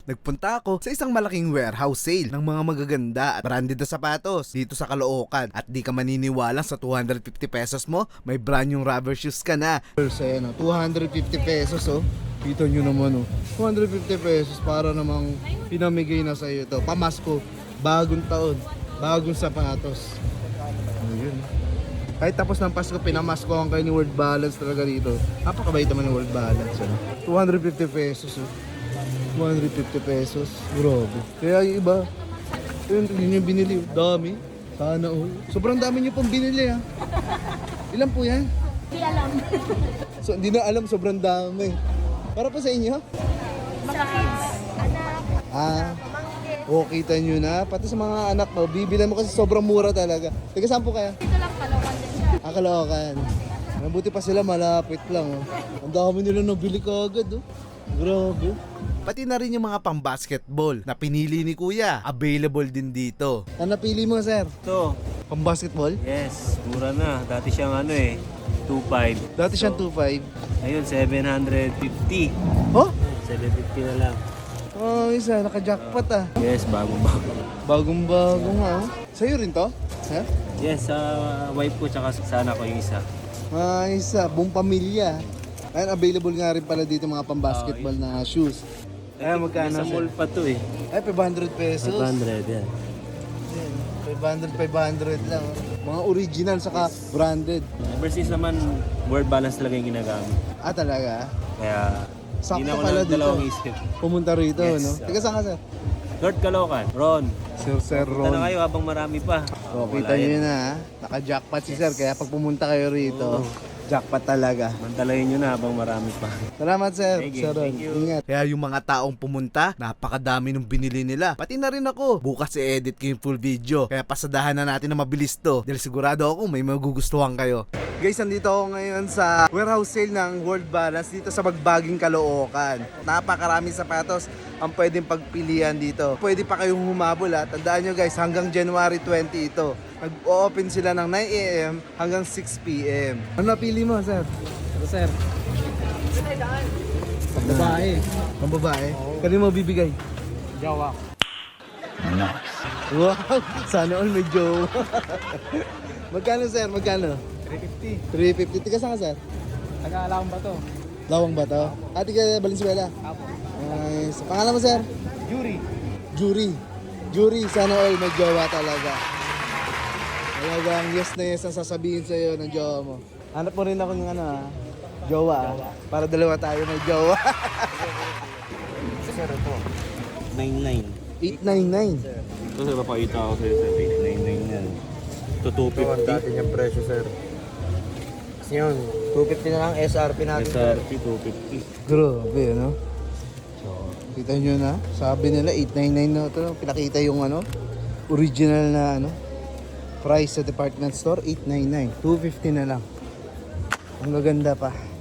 Nagpunta ako sa isang malaking warehouse sale ng mga magaganda at branded na sapatos dito sa Caloocan. At di ka maniniwala sa 250 pesos mo, may brand yung rubber shoes ka na. So yan, 250 pesos oh. Kita nyo naman oh. 250 pesos para namang pinamigay na sa'yo ito. Pamasko, bagong taon, bagong sapatos. Ayun. Kahit tapos ng Pasko, pinamaskohan kayo ni World Balance talaga dito. Napakabait naman ni World Balance. Ano? 250 pesos. Oh. 250 pesos. Grabe. Kaya yung iba, yun yung binili. Dami. Sana all. Sobrang dami nyo pong binili ha. Ilan po yan? Hindi alam. So, hindi na alam, sobrang dami. Para po sa inyo? Mga kids, anak, Ah, oh, kita nyo na. Pati sa mga anak mo, bibilan mo kasi sobrang mura talaga. Teka, saan po kaya? dito lang Caloocan din siya. Caloocan. Mabuti pa sila, malapit lang. Oh. Ang dami nila nabili kagad. Oh. Grabe. Pati na rin yung mga pang-basketball na pinili ni Kuya. Available din dito. Ano napili mo, sir? Ito, Pang-basketball? yes, mura na. Dati siyang 2.5. Dati siyang 2.5. Ngayon, 750. Oh? 750 na lang. Oh, isa. Naka-jackpot ah. Yes, bagong-bago. Bagong-bago nga. Oh. Sa'yo rin to? Sir? Yes, sa wife ko tsaka sa anak ko yung isa. Ah, isa. Buong pamilya. Ayan, available nga rin pala dito mga pang-basketball na shoes. Ayan, magkano, Sa sir? mall pa to eh. Ay, 500 pesos. 500 yan. 500 lang. Mga original saka branded. Ever since naman, word balance talaga yung ginagamit. Ah, talaga? Kaya, Sakto hindi na ako pala dito. dalawang isip. Pumunta rito, Yes, no? sir. Teka, saan ka, sir? Lord Caloocan, Ron. Sir Punta na Ron. kayo habang marami pa. So, kita Wala nyo yan. na, ha? Naka-jackpot si sir. Kaya pag pumunta kayo rito, jackpot talaga. Mantalayin nyo na habang marami pa. Salamat, sir. Thank you, Sir Ron. thank you. Ingat. Kaya yung mga taong pumunta, napakadami nung binili nila. Pati na rin ako. Bukas i-edit ko yung full video. Kaya pasadahan na natin na mabilis to. Dahil sigurado ako may magugustuhan kayo. Guys, nandito ako ngayon sa warehouse sale ng World Balance dito sa Bagbaging Caloocan. Napakaraming sapatos ang pwedeng pagpilian dito. Pwede pa kayong humabol ha. Tandaan nyo guys, hanggang January 20 ito. Nag-open sila ng 9 AM hanggang 6 PM. Ano napili mo, sir? Ito sir. Babae. Ang babae? Kanino mo bibigay? Jawa. Wow! Sana all may jowa. Magkano, sir? Magkano? 350. 350. Tika saan ka, sir? Taga-alam ba to? Lawang ba to? Ati ka Valenzuela? Apo. Nice. Pangalan mo, sir? Yuri. Jury. Jury, sana all may jowa talaga. Talagang yes na yes ang sasabihin sa'yo ng jowa mo. Hanap mo rin ako ng jowa para dalawa tayo may jowa. Sir, ito. 99. 899. Ito sir, papakita ako sa'yo sir. 899 yan. Ito 250. Dati niyang presyo, sir. Kasi yun, 250 na lang SRP natin. SRP 250. Grabe, ano? So, kita nyo na. Sabi nila, 899 na ito. Pinakita yung original na price sa department store, 899. 250 na lang. Ang gaganda pa.